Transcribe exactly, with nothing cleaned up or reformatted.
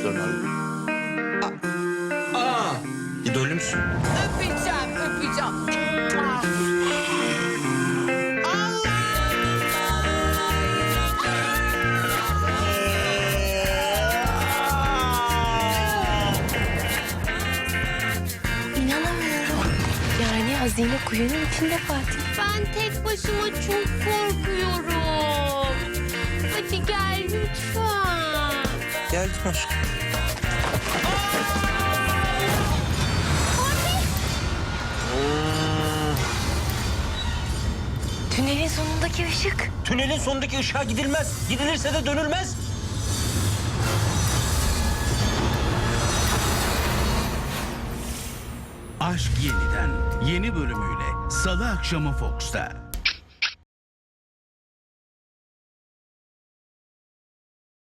döner. Aa, idolümsün. Öpeceğim, öpeceğim. Ah. İnanamıyorum. Yani hazine kuyunun içinde Fatih. Ben tek başıma çok korkuyorum. Hadi gel lütfen. Geldim aşkım. Tünelin sonundaki ışık. Tünelin sonundaki ışığa gidilmez. Gidilirse de dönülmez. Aşk Yeniden yeni bölümüyle Salı akşamı Fox'ta.